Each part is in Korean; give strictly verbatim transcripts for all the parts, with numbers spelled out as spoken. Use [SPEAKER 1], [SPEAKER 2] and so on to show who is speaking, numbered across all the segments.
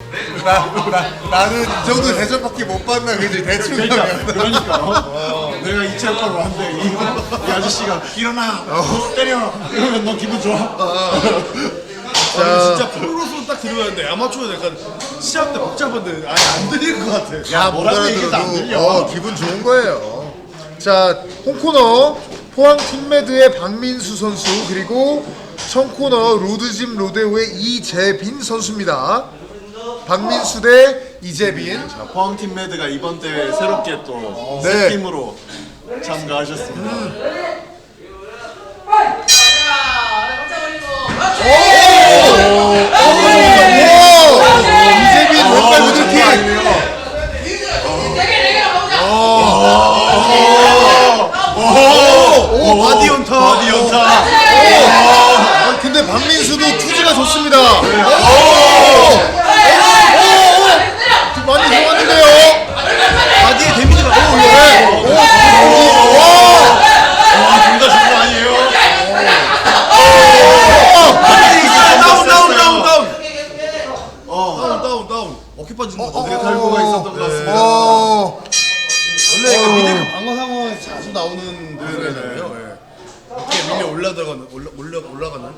[SPEAKER 1] 나, 나, 나는 이 정도 대접밖에 못 받나 그지 대충
[SPEAKER 2] 그러니까
[SPEAKER 1] 하면.
[SPEAKER 2] 그러니까 어. 내가 이 체육관 왔는데 이, 이 아저씨가 일어나 어. 때려 이러면 너 기분 좋아?
[SPEAKER 3] 자, 진짜 프로로서 딱 들어가는데 아마추어는 약간 시합 때 복잡한데 아예 안 들릴 것 같아.
[SPEAKER 1] 야, 못
[SPEAKER 2] 뭐라고 얘기해도 안
[SPEAKER 1] 알아들어도
[SPEAKER 2] 들려.
[SPEAKER 1] 어, 기분 좋은 거예요. 자, 홈코너 포항 팀메드의 박민수 선수 그리고 청코너 로드짐 로데오의 이재빈 선수입니다. 박민수 대 이재빈.
[SPEAKER 2] 자, 포항 팀 매드가 이번 대회 새롭게 또 새
[SPEAKER 1] 네.
[SPEAKER 2] 팀으로 참가하셨습니다.
[SPEAKER 1] 음. 이재빈 왼발 무드킥.
[SPEAKER 3] 오, 바디 연타.
[SPEAKER 2] 바디 연타.
[SPEAKER 1] 아, 근데 박민수도 투지가 좋습니다. 오! 오! 많이 좋았는데요.
[SPEAKER 3] 바디에 데미지가 오,
[SPEAKER 1] 네. 오!
[SPEAKER 2] 와, 둘 다 좋은 거 아니에요?
[SPEAKER 3] 다운 다운 다운 다운. 어, 다운 다운 다운. 어깨 빠지는 거 같아.
[SPEAKER 2] 탈구가 있었던 것 같습니다.
[SPEAKER 1] 오!
[SPEAKER 3] 원래 그 미드 방어 상황에서 자주 나오는 부분이잖아요. 예. 어깨 밀려 올라들어가는 올라 올라 올라가는.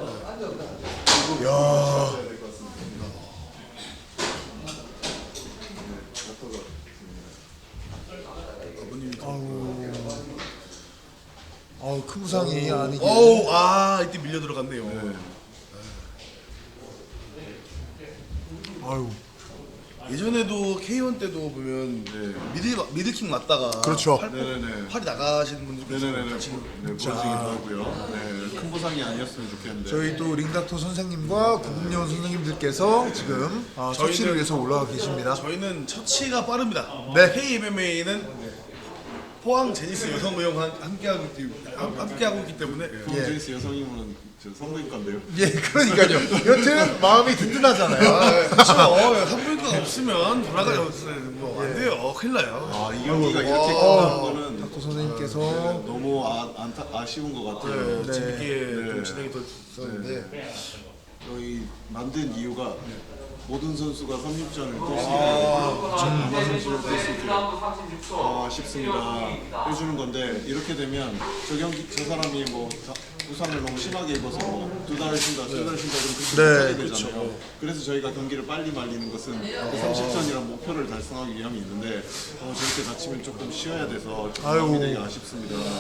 [SPEAKER 1] 아우, 큰 부상이 아니긴.
[SPEAKER 3] 어우, 아 이때 밀려 들어갔네요.
[SPEAKER 1] 아유.
[SPEAKER 3] 예전에도 케이원 때도 보면 미들 미들킥 맞다가
[SPEAKER 1] 그렇죠.
[SPEAKER 3] 팔,
[SPEAKER 2] 네네네.
[SPEAKER 3] 팔이 나가시는 분들
[SPEAKER 2] 네네네. 네, 보시기도 하고요. 네, 큰 부상이 아니었으면 좋겠는데.
[SPEAKER 1] 저희 또 링닥터 선생님과 구국년 선생님들께서 지금 아, 처치를 위해서 올라가 계십니다.
[SPEAKER 3] 저희는 처치가 빠릅니다.
[SPEAKER 1] 네.
[SPEAKER 3] 케이엠엠에이는 포항 제니스 여성의용 함께하고 있기, 함께하고 있기 때문에
[SPEAKER 2] 포항제이스 여성이면 저 성부인과인데요.
[SPEAKER 1] 예, 그러니까요. 여튼 마음이 든든하잖아요.
[SPEAKER 3] 그렇죠. 산부인과가 없으면 돌아가지 뭐안 돼요. 큰일 나요.
[SPEAKER 2] 아, 이 경기가 이렇게 끝나는 거는
[SPEAKER 1] 닥터 선생님께서
[SPEAKER 2] 너무 아, 안타, 아쉬운 것 같아요.
[SPEAKER 3] 네, 재밌게 좀 진행이 됐었는데
[SPEAKER 2] 저희 만든 이유가 모든 선수가 삼십 전을 뛸 수 있고 전마 선수를 뛸 수 있도록 싶습니다 해주는 건데, 이렇게 되면 저 경기 저 사람이 뭐 다, 부상을 너무 심하게 입어서 뭐 두 달 쉰다, 세 달 쉰다 그럼 그렇게
[SPEAKER 1] 네,
[SPEAKER 2] 되잖아요. 그래서 저희가 경기를 빨리 말리는 것은 그 삼십 전이란 목표를 달성하기 위함이 있는데 어, 저렇게 다치면 조금 쉬어야 돼서 좀
[SPEAKER 1] 아유.
[SPEAKER 2] 마음이 되게 아쉽습니다.